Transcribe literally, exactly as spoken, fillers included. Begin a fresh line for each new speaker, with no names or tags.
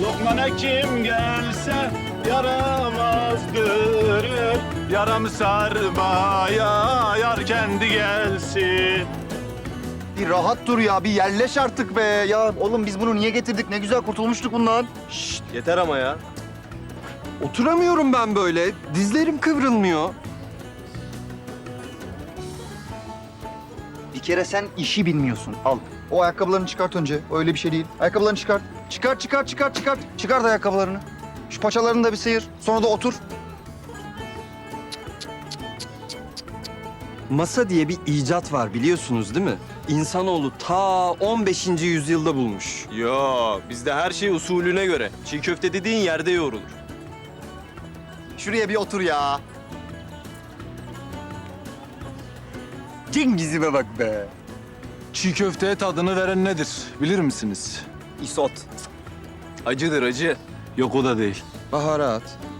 Lokmana kim gelse yaramaz görür. Yaram sarmaya yar kendi gelsin.
Bir rahat dur ya, bir yerleş artık be. Ya oğlum biz bunu niye getirdik? Ne güzel kurtulmuştuk bundan.
Şşt, yeter ama ya.
Oturamıyorum ben böyle. Dizlerim kıvrılmıyor.
Bir kere sen işi bilmiyorsun. Al. O ayakkabılarını çıkart önce. Öyle bir şey değil. Ayakkabılarını çıkart. Çıkart, çıkart, çıkart, çıkart. Çıkart ayakkabılarını. Şu paçalarını da bir sıyır. Sonra da otur.
Masa diye bir icat var biliyorsunuz değil mi? İnsanoğlu ta on beşinci yüzyılda bulmuş.
Yo, bizde her şey usulüne göre. Çiğ köfte dediğin yerde yoğrulur.
Şuraya bir otur ya. Cengiz'ime bak be.
Çiğ köfteye tadını veren nedir bilir misiniz?
İsot.
Acıdır acı.
Yok o da değil.
Baharat.